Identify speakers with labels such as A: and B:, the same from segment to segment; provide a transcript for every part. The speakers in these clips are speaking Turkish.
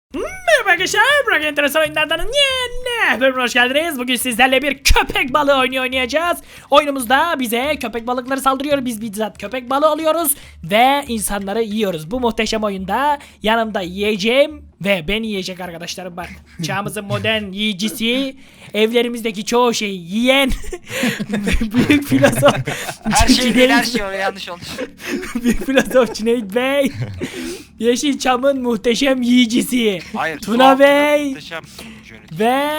A: Merhaba arkadaşlar, Burak Enteresan Oyunlardan yeni bölümüne hoş geldiniz. Bugün sizlerle bir köpek balığı oyunu oynayacağız. Oyunumuzda bize köpek balıkları saldırıyor. Biz bizzat köpek balığı alıyoruz ve insanları yiyoruz. Bu muhteşem oyunda yanımda yiyeceğim ve beni yiyecek arkadaşlarım var. Çağımızın modern yiyicisi, evlerimizdeki çoğu şeyi yiyen büyük filozof.
B: Her şey değil, her şey yanlış olmuş.
A: Büyük filozof Cüneyt Bey. Yeşilçam'ın muhteşem yiyicisi
B: Hayır,
A: Tuna Bey
B: muhteşem yönetim.
A: ve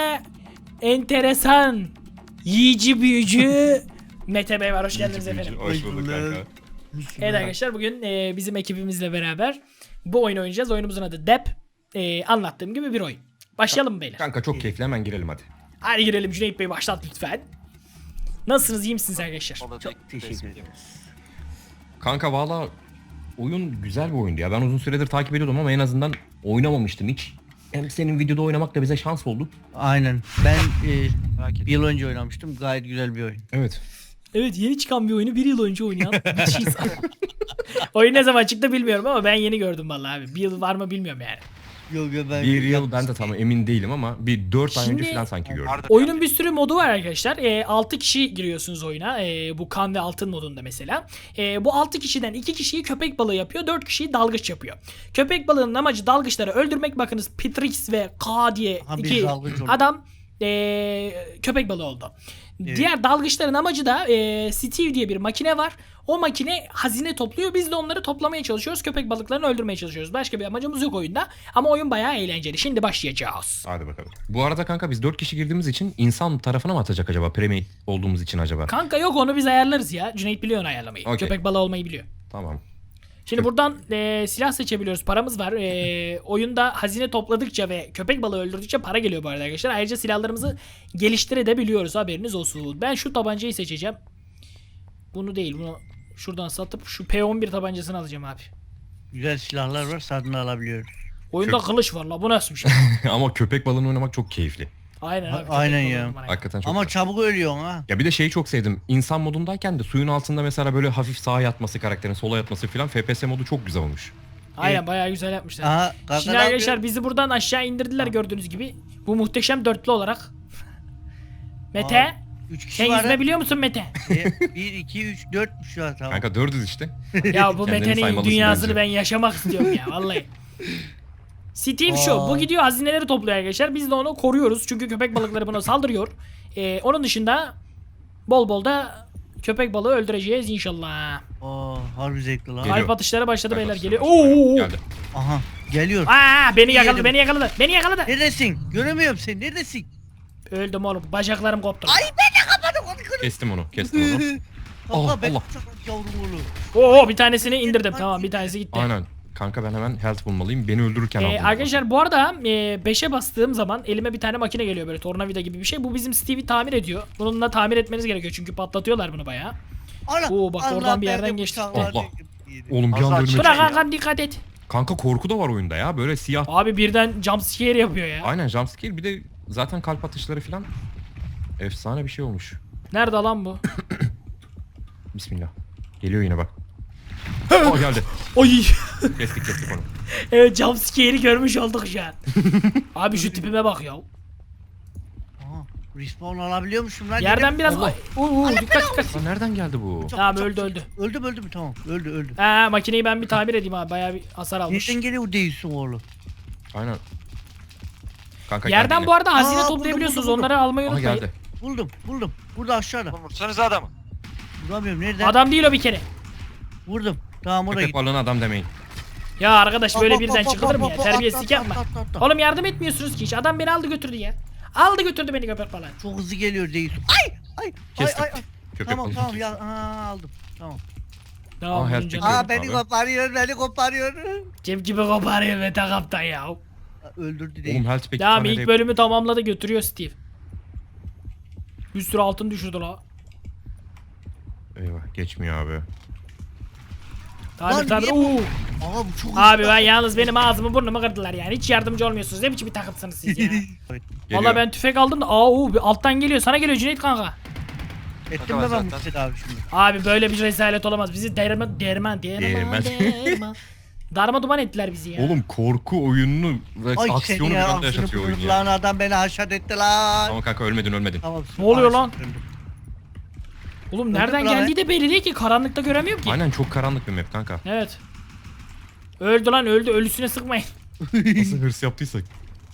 A: enteresan yiyici büyücü Mete Bey var. Hoş geldiniz efendim.
C: Hoş bulduk kanka.
A: Evet arkadaşlar, bugün bizim ekibimizle beraber bu oyunu oynayacağız. Oyunumuzun adı Dep. Anlattığım gibi bir oyun. Başlayalım mı beyler?
C: Kanka çok keyifli, hemen girelim hadi.
A: Hadi girelim. Cüneyt Bey başlat lütfen. Nasılsınız, iyi misiniz arkadaşlar?
B: Çok teşekkür ederim.
C: Kanka valla oyun güzel bir oyundu ya. Ben uzun süredir takip ediyordum ama en azından oynamamıştım hiç. Hem senin videoda oynamak da bize şans oldu.
D: Aynen. Ben
B: Merak etme.
D: bir yıl önce oynamıştım. Gayet güzel bir oyun.
C: Evet.
A: Evet, yeni çıkan bir oyunu bir yıl önce oynayan bir şey. Oyun ne zaman çıktı bilmiyorum ama ben yeni gördüm vallahi abi. Bir yıl var mı bilmiyorum yani.
D: Yok ben
C: Bir yıl ben de tam emin değilim ama bir 4 ay önce
A: Şimdi-
C: falan sanki gördüm.
B: Vardır
A: Oyunun
B: yani.
A: bir sürü modu var arkadaşlar. 6 kişi giriyorsunuz oyuna. Bu kan ve altın modunda mesela. Bu 6 kişiden 2 kişiyi köpek balığı yapıyor. 4 kişiyi dalgıç yapıyor. Köpek balığının amacı dalgıçları öldürmek. Bakınız, Pitrix ve K diye
D: Ha, bir
A: iki
D: dalgıç oldu.
A: adam köpek balığı oldu.
D: Evet.
A: Diğer dalgıçların amacı da Steve diye bir makine var. O makine hazine topluyor. Biz de onları toplamaya çalışıyoruz. Köpek balıklarını öldürmeye çalışıyoruz. Başka bir amacımız yok oyunda. Ama oyun bayağı eğlenceli. Şimdi başlayacağız.
C: Hadi bakalım. Bu arada kanka biz 4 kişi girdiğimiz için insan tarafına mı atacak acaba? Premier olduğumuz için acaba?
A: Kanka yok, onu biz ayarlarız ya. Cüneyt biliyor onu ayarlamayı.
C: Okey.
A: Köpek balığı olmayı biliyor.
C: Tamam.
A: Şimdi buradan silah seçebiliyoruz. Paramız var. Oyunda hazine topladıkça ve köpek balığı öldürdükçe para geliyor bu arada arkadaşlar. Ayrıca silahlarımızı geliştirebiliyoruz. Haberiniz olsun. Ben şu tabancayı seçeceğim. Bunu değil. Bunu şuradan satıp şu P11 tabancasını alacağım abi.
D: Güzel silahlar var. Satın alabiliyoruz.
A: Oyunda kılıç var la. Bu nasıl bir şey?
C: Ama köpek balığını oynamak çok keyifli.
A: Aynen abi.
D: Aynen
A: köpek
D: ya.
A: balığı olmalı.
C: Hakikaten çok
D: Ama
C: güzel.
D: çabuk ölüyorsun ha.
C: Ya bir de şeyi çok sevdim. İnsan modundayken de suyun altında mesela böyle hafif sağa yatması, karakterin sola yatması falan, FPS modu çok güzel olmuş.
A: Aynen, bayağı güzel yapmışlar.
D: Aha. Gaza
A: Şimdi arkadaşlar bizi buradan aşağı indirdiler gördüğünüz gibi. Bu muhteşem dörtlü olarak. Mete,
D: 3 kişi
A: sen
D: var.
A: yüzme biliyor musun Mete?
D: 1, 2, 3, 4 şu an tamam.
C: Kanka 4'üz işte.
A: Ya bu
C: Kendini
A: Mete'nin
C: saymalısın
A: dünyasını
C: bence.
A: ben yaşamak istiyorum ya vallahi. Steve şu, bu gidiyor hazineleri topluyor arkadaşlar. Biz de onu koruyoruz çünkü köpek balıkları buna saldırıyor. Onun dışında bol bol da köpek balığı öldüreceğiz inşallah.
D: Harbi zevkli lan.
C: Geliyor.
A: Kalp atışları başladı beyler,
C: Kalp
A: geliyor.
C: atışları
A: Oo.
C: Geldi.
D: Aha. Geliyor.
A: Beni yakaladı,
D: Yedim.
A: beni yakaladı, beni yakaladı.
D: Neredesin? Göremiyorum seni. Neredesin?
A: Öldüm oğlum, bacaklarım koptu.
C: Kestim onu. Kestim onu.
D: Allah ben
C: Allah.
D: yavrum oğlum.
A: Oo, bir tanesini indirdim, tamam, bir tanesi gitti.
C: Aynen. Kanka ben hemen health bulmalıyım. Beni öldürürken aldım.
A: Arkadaşlar bu arada 5'e bastığım zaman elime bir tane makine geliyor, böyle tornavida gibi bir şey. Bu bizim Steve'i tamir ediyor. Bununla tamir etmeniz gerekiyor çünkü patlatıyorlar bunu bayağı.
D: Ana.
A: Oo, bak oradan bir yerden
D: ben de
A: geçti.
D: bıçağı var
C: Allah.
D: dedim.
C: Oğlum bir anda
B: Allah
C: önüme
B: aşkına.
C: çıktı.
A: Bırak
B: ya.
A: kankam, dikkat et.
C: Kanka korku da var oyunda ya. Böyle siyah.
A: Abi birden jumpscare yapıyor ya.
C: Aynen jumpscare. Bir de zaten kalp atışları falan. Efsane bir şey olmuş.
A: Nerede lan bu?
C: Bismillah. Geliyor yine bak. Oh geldi.
A: Oy.
C: Kestik onu.
A: Evet, jumpscare'i görmüş olduk şu an. Abi şu tipime bak ya.
D: Aha. Respawn alabiliyormuşum lan.
A: Yerden biraz...
C: Allah.
A: Dikkat dikkat.
C: Lan nereden geldi bu?
A: Tamam, öldü.
D: Öldü mü tamam. Öldü.
A: Makineyi ben bir tamir edeyim abi. Bayağı bir hasar almış.
D: Nereden geliyor değilsin oğlum?
C: Aynen. Kanka
A: Yerden
C: geldi
A: bu arada hazine
D: Aa,
A: toplayabiliyorsunuz.
D: buldum.
A: Onları almayı
C: yine. Aha
A: unutmayın.
C: geldi.
D: Buldum. Burada aşağıda.
B: Vursanıza adamı.
D: Vuramıyorum nereden?
A: Adam değil o bir kere.
D: Vurdum. Tamam oraya
C: Köpek
D: git.
C: balığına adam demeyin.
A: Ya arkadaş, böyle
D: Hop, hop,
A: birden
D: hop,
A: çıkılır mı
D: hop,
A: ya?
D: hop,
A: Terbiyesizlik
D: atla,
A: yapma.
D: atla.
A: Oğlum yardım etmiyorsunuz ki hiç. Adam beni aldı götürdü ya. Aldı götürdü beni köpek falan.
D: Çok hızlı geliyor değilsin. Ay.
C: Kestik.
D: Ay.
C: Köpek
D: Tamam
C: balığı.
D: ya aldım. Tamam.
A: Tamam,
C: her
A: önce-
C: şey- Aa,
D: Beni
C: abi.
D: koparıyor.
A: Cep gibi koparıyor Mete kaptan ya.
D: Öldürdü değil.
C: Oğlum health peki.
A: Tamam, ilk bölümü tamamladı, götürüyor Steve. Bir sürü altın düşürdü la.
C: Eyvah geçmiyor abi.
A: Tamir
D: Lan niye-
A: Oo.
D: Aa bu çok
A: Abi
D: hızlı.
A: ben yalnız benim ağzımı burnumu kırdılar yani. Hiç yardımcı olmuyorsunuz. Ne biçim bir takımsınız siz ya.
C: Geliyor.
A: Valla ben tüfek aldım da bir alttan geliyor. Sana geliyor Cüneyt kanka.
D: Ettim mi
B: Hadi
D: ben bu
B: zaten.
D: Mustafa abi şimdi?
A: Abi böyle bir rezalet olamaz. Bizi değirmen.
C: Değirmen.
A: Darma duman ettiler bizi ya.
C: Oğlum korku oyununu ve
D: Ay seni
C: aksiyonu bir
D: ya
C: anda
D: aksını
C: yaşatıyor oyun
D: buyurdu lan
C: ya.
D: adam beni haşat etti lan.
C: Tamam kanka ölmedin.
D: Tamam.
A: Ne oluyor lan?
D: Öldüm.
A: Oğlum nereden
D: lan
A: geldiği de belli değil ki. Karanlıkta göremiyorum ki.
C: Aynen çok karanlık bir map kanka.
A: Evet. Öldü lan öldü. Ölüsüne sıkmayın.
C: Nasıl hırs yaptıysak.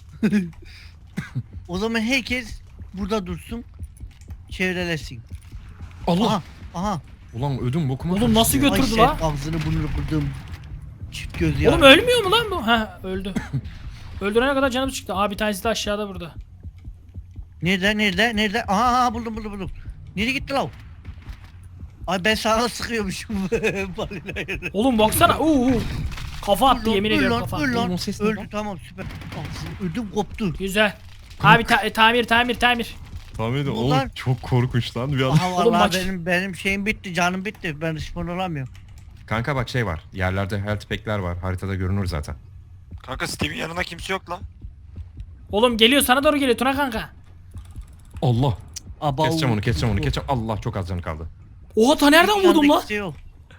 D: O zaman herkes burada dursun. Çevrelesin.
C: Allah.
D: Aha. Aha.
C: Ulan ödüm bokuma.
A: Oğlum nasıl
C: kaçtı ya.
A: götürdü
D: Ay
A: la?
D: sen ağzını burnunu kırdım. Çift göz ya.
A: Oğlum ölmüyor mu lan bu? Ha öldü. Öldürene kadar canım çıktı. Aa bir tanesi de aşağıda burada.
D: Nerede? Aha buldum. Nereye gitti lan? Ay ben sana sıkıyormuşum. Balinayı.
A: Oğlum baksana. Kafa attı yemin ediyorum kafa.
D: Öl
C: Oğlum o
D: lan.
C: ses ne
D: Öldü
C: lan?
D: tamam süper. Ağzını ödüm koptu.
A: Güzel. Abi tamir.
C: Tahmin edin.
D: Bunlar-
C: Oğlum çok korkunç lan bir an.
D: Aha
A: Oğlum
D: vallahi
A: maç-
D: benim şeyim bitti, canım bitti. Ben spawn olamıyorum.
C: Kanka bak şey var. Yerlerde health pack'ler var. Haritada görünür zaten.
B: Kanka Steve'in yanında kimse yok lan.
A: Oğlum geliyor sana doğru geliyor Tuna kanka.
C: Allah.
D: Aba
C: Keseceğim onu. Allah çok az canı kaldı.
A: Oha ta nereden vurdum lan?
D: Şey yok.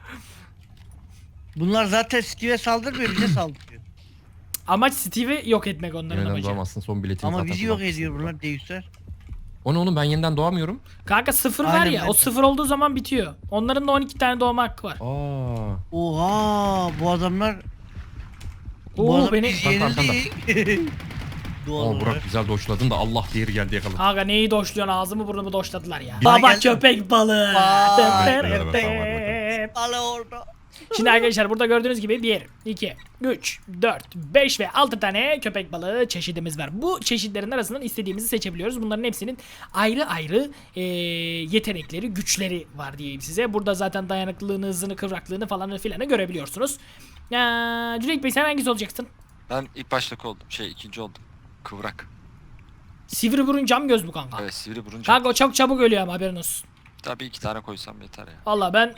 D: Bunlar zaten Steve'e saldırmıyor, bize saldırıyor.
A: Amaç Steve'i yok etmek onların
C: Yeniden
A: amacı.
C: doğamazsın son biletini
D: Ama
C: zaten
D: bizi yok
C: kullanmışsın
D: ediyor
C: burada.
D: bunlar deistler.
C: O ne oğlum ben yeniden doğamıyorum.
A: Kanka 0 var
D: Aynen,
A: ya
D: ben
A: o
D: de.
A: 0 olduğu zaman bitiyor. Onların da 12 tane doğma hakkı var.
C: Aa.
D: Oha bu adamlar
A: Oo beni.
D: biz
C: Bak,
D: yenildik. Doğal
C: Aa Burak
D: olarak.
C: güzel doşladın da Allah diğeri geldi yakaladı.
A: Kanka neyi doşluyorsun ağzımı burnumu doşladılar ya.
C: Bir-
A: Baba
D: geldi.
A: köpek balığı.
D: Vay.
A: Tep.
D: Ala orada.
A: Şimdi arkadaşlar burada gördüğünüz gibi 1, 2, 3, 4, 5 ve 6 tane köpek balığı çeşidimiz var. Bu çeşitlerin arasından istediğimizi seçebiliyoruz. Bunların hepsinin ayrı ayrı yetenekleri, güçleri var diyeyim size. Burada zaten dayanıklılığını, hızını, kıvraklığını falan filanı görebiliyorsunuz. Cüneyt Bey sen hangisi olacaksın?
B: Ben ilk baştaki oldum. ikinci oldum. Kıvrak.
A: Sivri burun cam göz bu kanka.
B: Evet sivri burunca.
A: Kanka o çok çabuk ölüyor ama haberin olsun.
B: Tabii 2 tane koysam yeter ya.
A: Valla ben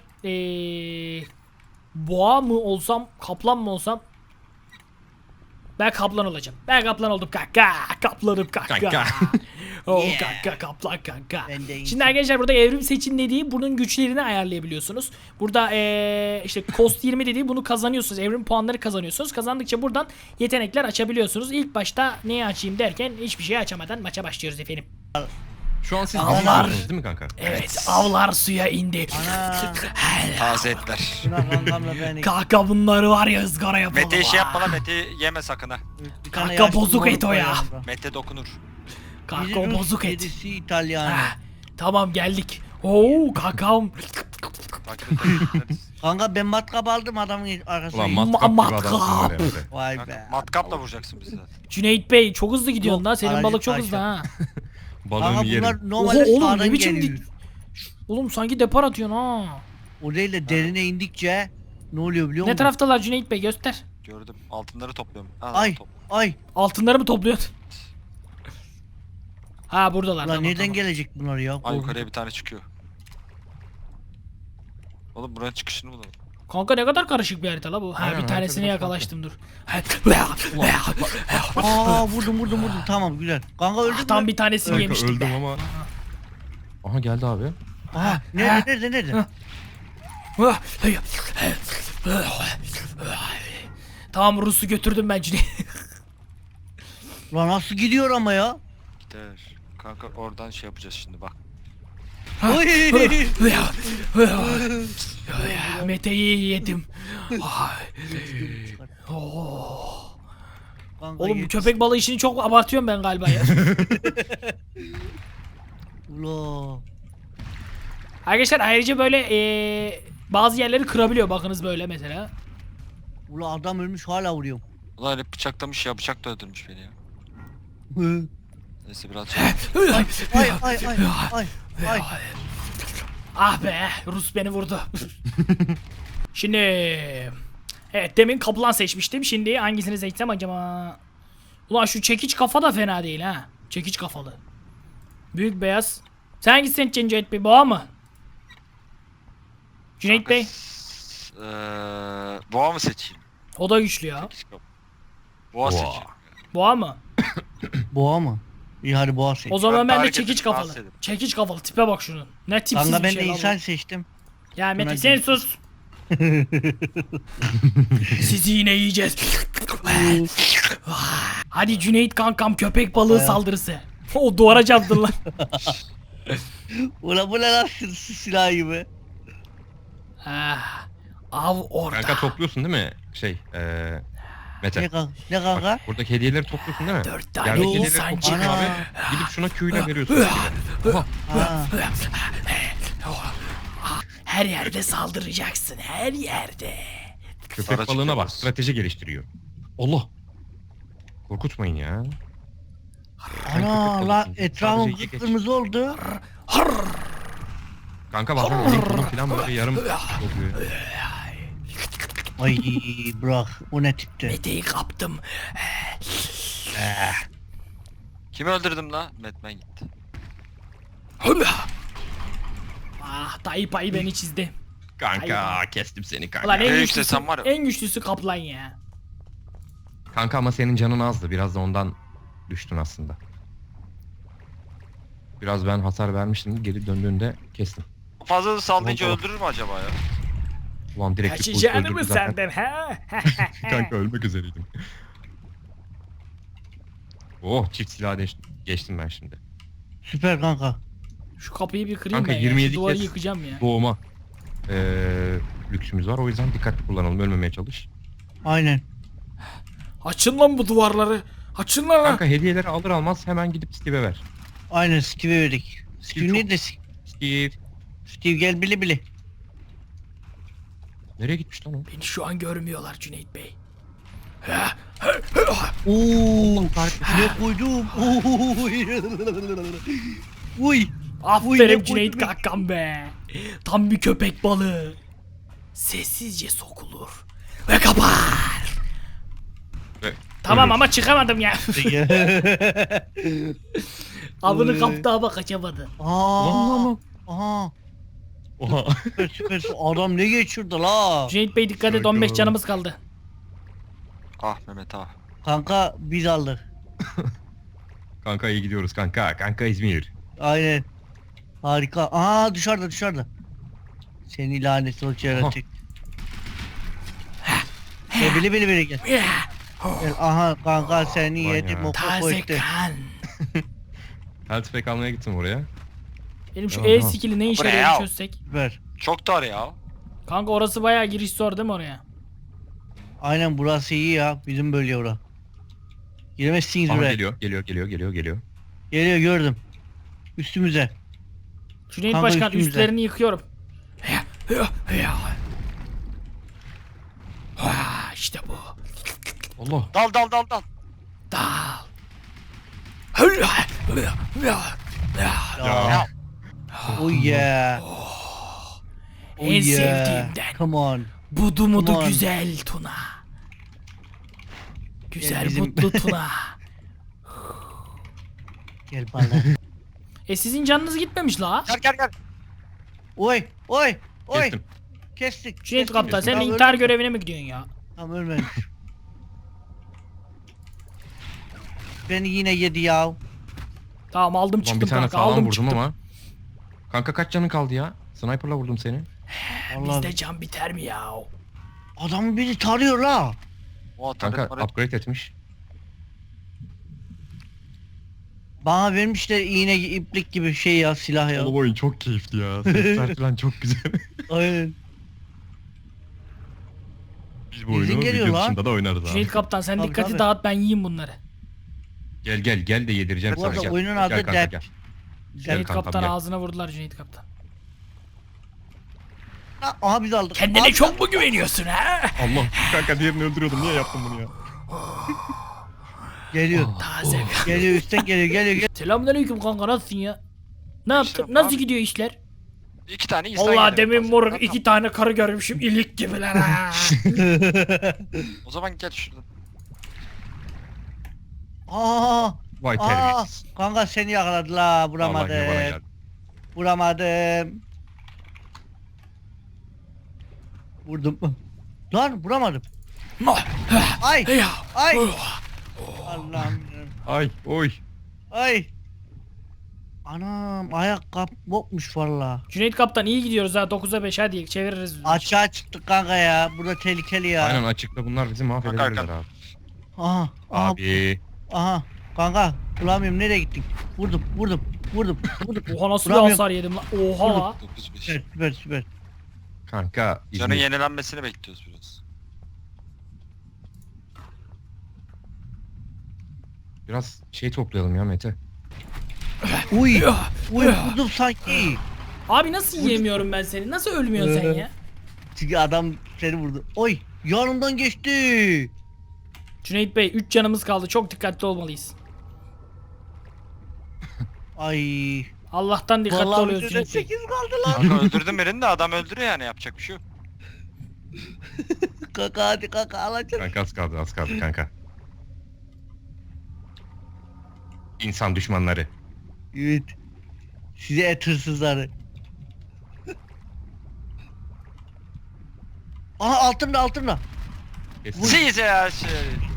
A: boğa mı olsam, kaplan mı olsam? Ben kaplan olacağım. Ben kaplan oldum kanka. Kaplanım kanka.
C: Kanka.
A: Oh
D: Yeah.
A: kanka kaplan kanka.
D: Ben de
A: Şimdi arkadaşlar burada evrim seçin dediği bunun güçlerini ayarlayabiliyorsunuz. Burada işte cost 20 dediği bunu kazanıyorsunuz. Evrim puanları kazanıyorsunuz. Kazandıkça buradan yetenekler açabiliyorsunuz. İlk başta neyi açayım derken hiçbir şey açamadan maça başlıyoruz efendim.
C: Şu an siz
A: Allah.
C: avlardınız değil mi kanka?
A: Evet avlar suya indi.
D: Ana.
B: Taze etler.
D: Şuna kankamla beni.
A: Kanka bunları var ya ızgara yapalım.
B: Mete'yi şey
A: ha.
B: yapma lan Mete'yi yeme sakın ha.
D: Bir tane
A: Kanka
D: yaşlı
A: bozuk
D: moruk
A: et o
D: var
A: ya.
D: yanımda.
B: Mete dokunur.
A: Kanka
D: Biri
A: o
D: Rus,
A: bozuk et.
D: birisi İtalyan.
A: Ha, tamam geldik. Oo kankam.
B: Bak
D: Kanka ben matkap aldım adamın arkasına.
C: Ulan
D: gittim.
C: matkap gibi
A: Matkap.
C: adamsın böyle Emre.
D: Vay
B: kanka,
D: be.
B: matkapla vuracaksın bizi zaten.
A: Cüneyt Bey çok hızlı gidiyorsun
D: Yok,
A: lan. Senin
D: aracı
A: balık çok
D: taşla.
A: hızlı ha.
C: Balığını
D: Kanka
C: yerim.
D: bunlar normalde
A: Oha, oğlum, ne
D: sağdan
A: biçim
D: geliyor.
A: Oğlum sanki depar atıyorsun ha.
D: O değil de derine indikçe ne oluyor biliyor
A: Ne
D: musun?
A: taraftalar Cüneyt Bey göster.
B: Gördüm. Altınları topluyorum. Ha,
D: Ay
B: top.
D: ay.
A: Altınları mı topluyorsun? Ha buradalar.
D: Lan
A: tamam,
D: nereden
A: tamam.
D: gelecek bunlar ya?
B: Ay yukarıya bir tane çıkıyor. Oğlum buranın çıkışını bulalım.
A: Kanka ne kadar karışık bir harita la bu. Ha
C: Aynen,
A: bir tanesini
C: harita biraz
A: yakalaştım dur.
D: Aa vurdum. Tamam güzel. Kanka öldü mü?
A: Tam bir tanesini
C: Kanka
A: yemiştik
C: öldüm
A: be.
C: ama. Aha geldi abi.
D: Aha nerede?
A: Tamam Rus'u götürdüm ben Cüneyt.
D: Lan nasıl gidiyor ama ya?
B: Gider. Kanka oradan şey yapacağız şimdi bak.
D: Oy.
A: Mete'yi yedim. Ay. Oh.
D: Kanka
A: Oğlum bu
D: yet-
A: köpek balığı işini çok abartıyorum ben galiba ya.
D: Ula.
A: Arkadaşlar ayrıca böyle bazı yerleri kırabiliyor bakınız böyle mesela.
D: Ula adam ölmüş hala vuruyorum.
B: Ulan hep bıçaklamış ya. Bıçak da öldürmüş beni ya. Neyse biraz
D: Ay.
A: Ah be Rus beni vurdu. Şimdi evet demin kaplan seçmiştim. Şimdi hangisini seçsem acaba? Ulan şu çekiç kafa da fena değil ha. Çekiç kafalı. Büyük beyaz. Sen hangisini seçeceksin Cüneyt Bey? Boğa mı? Cüneyt Bey.
B: Boğa mı seçeyim?
A: O da güçlü ya.
B: Boğa
C: Boğa.
B: seçeyim.
A: Boğa mı?
D: Boğa mı? İyi hadi boğa seç.
A: O zaman
B: Ben
A: ben de
B: hareket
A: çekiç
B: edip
A: kafalı.
B: rahatsız edeyim.
A: Çekiç kafalı tipe bak şunun. Ne tipsiz
D: Kanka
A: bir
D: ben
A: şey
D: de
A: lan bu.
D: insan seçtim.
A: Ya Mete
D: Buna
A: sen
D: gittim.
A: sus. Sizi yine yiyeceğiz. Hadi Cüneyt kankam, köpek balığı saldırısı. O duvara çarptın lan.
D: Ulan bu ne lan silah gibi.
A: Ah, av orada.
C: Kanka topluyorsun değil mi? Mete.
D: Ne kanka?
C: Bak, buradaki hediyeleri topluyorsun değil mi?
A: 4 tane
C: Yerdeki hediyeleri
A: insan
C: topluyorsun
A: çıktı.
C: abi. Gidip şuna Q'yla veriyorsun. Oha.
D: Ha.
A: Her yerde saldıracaksın, her yerde.
C: Köpek
B: Sonra
C: balığına bak,
B: çıkıyoruz.
C: strateji geliştiriyor. Allah. Korkutmayın ya. Sen
D: Ana
C: köpek
D: lan
C: balığısın.
D: etrafım
C: Sadece ye geç.
D: kıpkırmızı oldu.
C: Kanka bazen elin kolun falan böyle yarım oluyor.
D: Ay bırak o ne tipti.
A: Mete'yi kaptım.
B: Kimi öldürdüm la? Batman gitti.
A: Ah, Tayyip ayı beni çizdi.
C: Kanka kestim seni kanka.
A: Ulan en
B: Ne
A: güçlüsü,
B: yükselsem var ya.
A: en güçlüsü kaplan ya.
C: Kanka ama senin canın azdı. Biraz da ondan düştün aslında. Biraz ben hasar vermiştim. Geri döndüğünde kestim.
B: Fazla da sallayınca
C: Tamam,
B: öldürür mü acaba ya?
C: Ulan direkt
A: Kaçacağını mı senden ha?
C: Kanka ölmek üzereydim. Oh, çift silah geçtim ben şimdi.
D: Süper kanka.
A: Şu kapıyı bir kırayım
C: Kanka,
A: ben ya.
C: 27
A: Şu duvarı
C: kez
A: yıkacağım ya.
C: Doğuma lüksümüz var. O yüzden dikkatli kullanalım. Ölmemeye çalış.
D: Aynen.
A: Açın lan bu duvarları. Açın lan.
C: Kanka hediyeleri alır almaz hemen gidip Steve'e ver.
D: Aynen Steve'e verdik. Steve
C: çok-
D: nerede?
C: Steve.
D: Steve gel bile bile.
C: Nereye gitmiş lan o?
A: Beni şu an görmüyorlar Cüneyt Bey.
D: Ooo. Ne koydum? Uy.
A: Aferin
D: ne
A: Cüneyt
D: koydum?
A: kankam be. Tam bir köpek balığı. Sessizce sokulur ve kapar.
C: Ve
A: Tamam
C: ölür.
A: ama çıkamadım ya. Avını kaptı ama kaçamadı.
D: Aa. Aha.
C: Oha.
D: Süper süper. Adam ne geçirdi la?
A: Cüneyt Bey dikkat et, 15 canımız kaldı.
B: Ah Mehmet ah.
D: Kanka biz aldık.
C: Kanka iyi gidiyoruz kanka. Kanka İzmir.
D: Aynen. Harika. Aa dışarıda. Seni lanet olsun yaratık. Gel bile gel. Gel. Aha kanka seni
C: Vay
D: yedim
C: ya.
D: o
A: Taze
D: koydu.
A: kan.
C: Health pack almaya gittim oraya.
A: Benim şu
C: Aha.
A: E skill'i ne işe
B: Bu ne
A: yarıyor
B: ya?
A: çözsek.
D: Süper.
B: Çok dar ya.
A: Kanka orası bayağı giriş zor değil mi oraya?
D: Aynen burası iyi ya. Bizim bölge ora. Giremezsiniz
C: Aha
D: buraya.
C: geliyor.
D: Geliyor gördüm. Üstümüze.
A: Cüneyt
D: Kanka
A: Başkan
D: üstümüze.
A: üstlerini yıkıyorum. İşte bu.
C: Allah.
B: Dal.
A: Dal.
D: Ya. Oh yeah. Oh
A: En sevdiğimden.
D: Come on.
A: Budu mudu
D: Aman.
A: güzel Tuna. Güzel
D: bizim-
A: mutlu Tuna.
D: Gel bana.
A: Sizin canınız gitmemiş la.
B: Gel.
D: Oy.
C: Kestim.
D: Kestik.
A: Cüneyt
D: kestik.
A: Kaptan sen
D: Tamam,
A: intihar görevine mi gidiyorsun ya?
D: Tamam ölmemiş. Beni yine yedi ya.
A: Tamam aldım
C: Ulan
A: çıktım
C: bir tane
A: kanka,
C: sağlam
A: aldım
C: vurdum
A: çıktım.
C: ama. Kanka kaç canın kaldı ya? Sniper'la vurdum seni.
D: Vallahi
A: Bizde can biter mi ya?
D: adam beni tarıyor la.
B: O
C: Kanka
B: taret
C: upgrade etmiş.
D: Bana vermişler iğne iplik gibi şey ya silah ya.
C: Oğlum oyun çok keyifli ya. Sesler falan çok güzel.
D: Aynen.
C: Biz bu
D: Bizim
C: oyunu
D: geliyor
C: video
D: lan.
C: dışında da oynarız abi.
A: Cüneyt Kaptan sen
D: Tabii,
A: dikkati
D: tabii.
A: dağıt, ben yiyeyim bunları.
C: Gel de yedireceğim
D: Bu
C: sana
D: arada
C: gel.
D: oyunun
C: Gel
D: adı
C: kanka,
D: Dep.
C: gel.
A: Cüneyt
C: kankam,
A: Kaptan
C: gel.
A: ağzına vurdular Cüneyt Kaptan.
D: Aha biz aldık.
A: Kendine
D: Abi,
A: çok mu güveniyorsun ha?
C: Allah kanka diğerini öldürüyordum. Niye yaptın bunu ya?
D: Geliyor.
A: Taze kan.
D: Geliyor üstten geliyor.
A: Selamünaleyküm kanka, nasılsın ya? Ne yaptın?
B: İşte
A: Nasıl
B: abi.
A: gidiyor işler?
B: 2 tane insan
A: Allah
B: geliyor.
A: demin moruk 2 tane karı görmüşüm, ilik gibiler ha.
B: O zaman gel şuradan.
D: Aa,
C: Vay
D: aa,
C: terbiyesiz.
D: kanka seni yakaladı la
C: Vallahi yine bana
D: vuramadım.
C: geldi.
D: Vuramadım. Vurdum. Lan vuramadım. Ay
A: Ya.
D: ay. Allah'ım.
C: Ay oy.
D: Ay. Anam ayakkabı bokmuş valla.
A: Cüneyt Kaptan iyi gidiyoruz ha, 9'a 5 hadi çeviririz.
D: Aşağı çıktık kanka ya. Burada tehlikeli ya.
C: Aynen açıkta bunlar bizi mahvedebilirler
B: Hakan.
C: abi.
D: Aha. Aha.
C: Abi.
D: Aha. Kanka bulamıyorum, nereye gittin? Vurdum.
A: Oha nasıl bir
D: Vuramıyorum.
A: hasar yedim lan. Oha la.
B: 9-5.
D: Süper.
C: Kanka
B: Canın
C: İzmir.
B: yenilenmesini bekliyoruz biraz.
C: Biraz şey toplayalım ya Mete.
D: Uy vurdum sanki.
A: Abi nasıl yiyemiyorum ben seni? Nasıl ölmüyorsun sen ya?
D: Çünkü adam seni vurdu. Oy yanımdan geçti.
A: Cüneyt Bey 3 canımız kaldı. Çok dikkatli olmalıyız.
D: Ay.
A: Allah'tan dikkatli
D: Vallahi
A: oluyoruz
D: bizde
A: Cüneyt Bey.
D: 8 kaldı lan.
B: Kanka öldürdüm birini de adam öldürüyor yani, yapacak bir şey yok.
D: Kanka hadi kanka alacağım.
C: Kanka az kaldı kanka. İnsan düşmanları.
D: Evet. Size et hırsızları. Aha altımda.
C: Kesin.
B: Siz ya şey.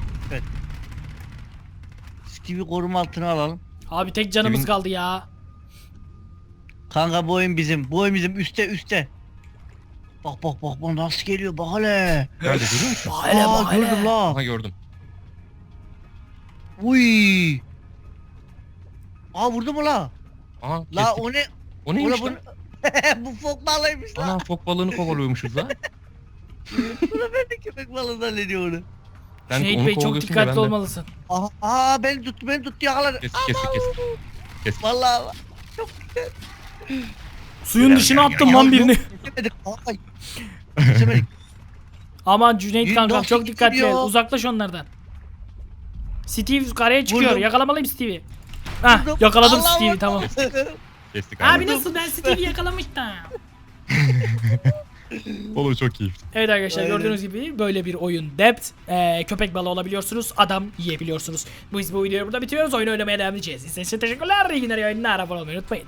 D: Steve'i koruma altına alalım.
A: Abi tek canımız
C: Kimin-
A: kaldı ya.
D: Kanka bu oyun bizim. Üste. Bak nasıl geliyor bak hele.
C: Nerede görüyor musun?
A: Hele bak hele.
D: Gördüm la.
C: Aha gördüm.
D: Uy. Aa vurdu mu la?
C: Aha
D: La
C: kestik.
D: o ne?
C: O neymiş
D: Bu
C: lan?
D: bu fok balıymış la.
C: Ana fok balığını kovalıyormuşuz lan.
D: Buna ben de köpek balığı zannediyor onu.
C: Sen
A: Cüneyt
C: onu
A: Bey çok
C: kovalıyorsun da
A: dikkatli
C: ben de-
A: olmalısın.
D: Aha beni tuttu yakaladı.
C: Kestik.
D: Vallahi
A: Suyun dışına attım lan birini.
D: kesemedik. Ay. Kesemedik.
A: Aman Cüneyt
D: Yürü,
A: kankam
D: nasıl
A: çok dikkatli
D: gidiyor?
A: ol. Uzaklaş onlardan. Steve karaya çıkıyor.
D: Vurdum.
A: Yakalamalıyım Steve'i. Hah
D: Vurdum.
A: yakaladım
D: Allah
A: Steve'i
D: Allah.
A: tamam.
C: Kestik
A: Abi
C: abi.
A: nasıl ben Steve'i yakalamıştım.
C: Olur çok keyifli.
A: Evet arkadaşlar
D: Aynen.
A: gördüğünüz gibi böyle bir oyun Depth. Köpek balığı olabiliyorsunuz. Adam yiyebiliyorsunuz. Biz bu videoyu burada bitiriyoruz. Oyun oynamaya devam edeceğiz. İzlediğiniz için teşekkürler. İyi günler, iyi oyunlar. Abone olmayı unutmayın.